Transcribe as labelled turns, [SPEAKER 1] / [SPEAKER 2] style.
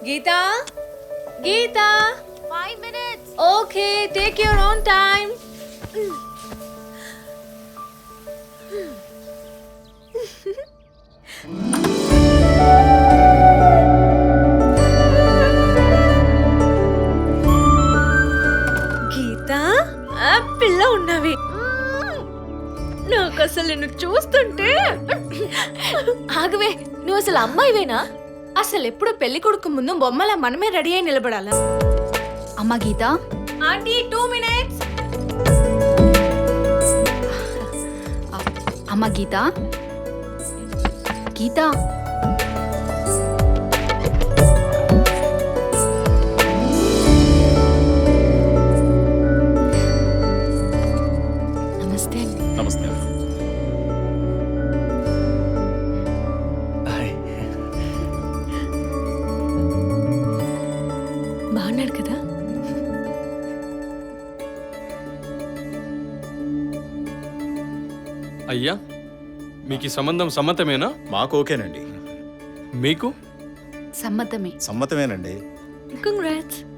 [SPEAKER 1] Gita Geetha
[SPEAKER 2] 5 minutes.
[SPEAKER 1] Okay take your own time. Geetha పిల్ల ఉన్నవి. నాకు అసలు నిన్ను చూస్తుంటే
[SPEAKER 2] ఆగవే, నువ్వు అసలు అమ్మాయివేనా? అసలు ఎప్పుడు పెళ్లి కొడుకు ముందు బొమ్మలా మనమే రెడీ అయి నిలబడాలా?
[SPEAKER 3] అమ్మ గీత,
[SPEAKER 2] ఆంటీ 2 minutes.
[SPEAKER 3] అమ్మ గీత, గీత.
[SPEAKER 2] నమస్తే.
[SPEAKER 4] నమస్తే.
[SPEAKER 2] బాగున్నాడు కదా?
[SPEAKER 5] అయ్యా, మీకు ఈ సంబంధం సమ్మతమేనా?
[SPEAKER 4] మాకు ఓకేనండి.
[SPEAKER 5] మీకు
[SPEAKER 3] సమ్మతమే.
[SPEAKER 4] సమ్మతమేనండి.
[SPEAKER 2] కంగ్రాట్స్.